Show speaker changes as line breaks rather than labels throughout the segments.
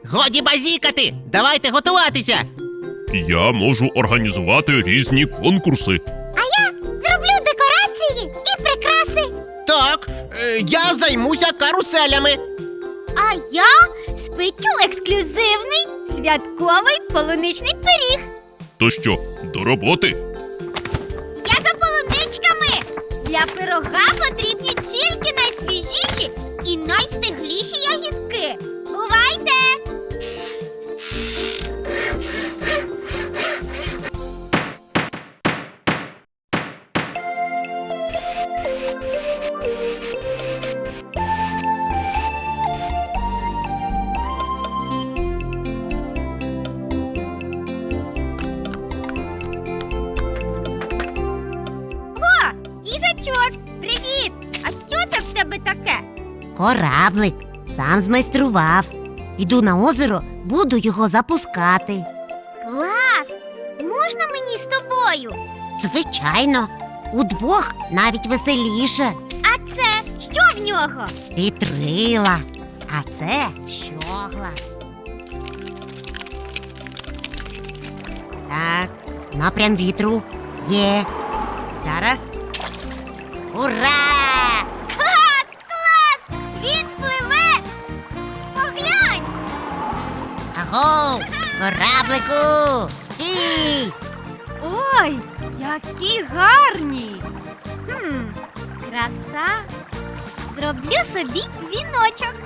Годі базікати! Давайте готуватися!
Я можу організувати різні конкурси.
Зроблю декорації і прикраси.
Так, я займуся каруселями.
А я спечу ексклюзивний святковий полуничний пиріг.
То що, до роботи?
Я за полуничками. Для пирога потрібні тільки найсвіжіші і найстигліші ягідки. Бувайте! Їжачок, привіт! А що це в тебе таке?
Кораблик. Сам змайстрував. Іду на озеро, буду його запускати.
Клас! Можна мені з тобою?
Звичайно, удвох навіть веселіше.
А це що в нього?
Вітрила, а це щогла. Так, напрям вітру є. Зараз. Ура!
Клас! Клас! Він пливе! Поглянь!
Аго! Кораблику! Стій!
Ой, які гарні! Краса! Зроблю собі віночок.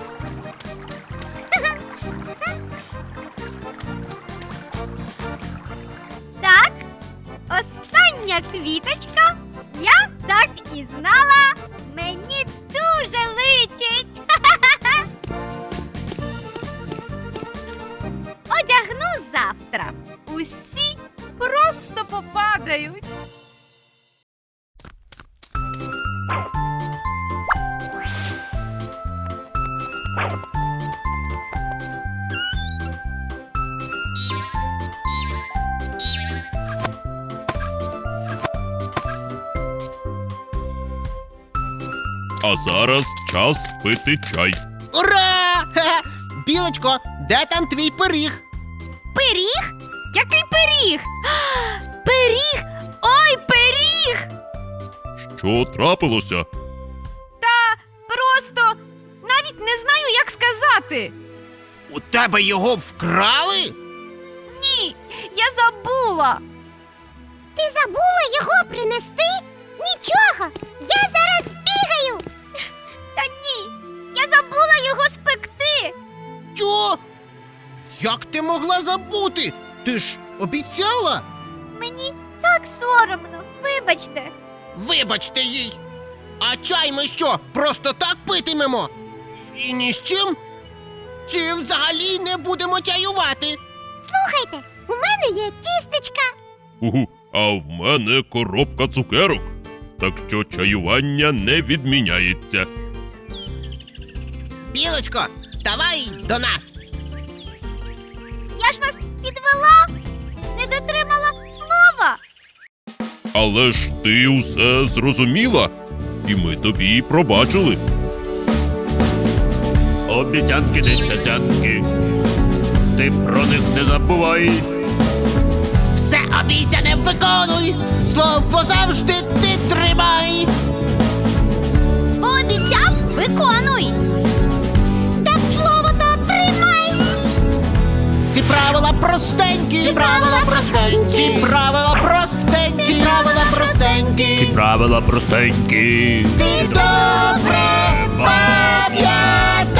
Так, остання квіточка. Я так і знала. Мені дуже личить. Одягну завтра.
Усі просто попадають.
А зараз час пити чай.
Ура! Хе-хе! Білочко, де там твій пиріг?
Пиріг? Який пиріг? Пиріг! Ой, пиріг!
Що трапилося?
Просто навіть не знаю, як сказати.
У тебе його вкрали?
Ні, я забула.
Ти забула його принести? Нічого, я зараз збігаю. Та ні, я забула його спекти.
Що? Як ти могла забути? Ти ж обіцяла?
Мені так соромно, вибачте.
Вибачте їй. А чай ми що, просто так питимемо? І ні з чим? Чи взагалі не будемо чаювати?
Слухайте, у мене є тістечка.
А в мене коробка цукерок. Так що чаювання не відміняється.
Білочко, давай до нас.
Я ж вас підвела, не дотримала слова.
Але ж ти усе зрозуміла, і ми тобі пробачили. Обіцянки не цяцянки, ти про них не забувай.
Все обіцяне виконуй, слово завжди ти тримай.
Пообіцяв, виконуй. Дав слово, то тримай.
Ці правила простенькі,
Ці правила простенькі.
ці правила простенькі,
Ці правила простенькі.
Правила простенькі.
Ти добре пам'ятай.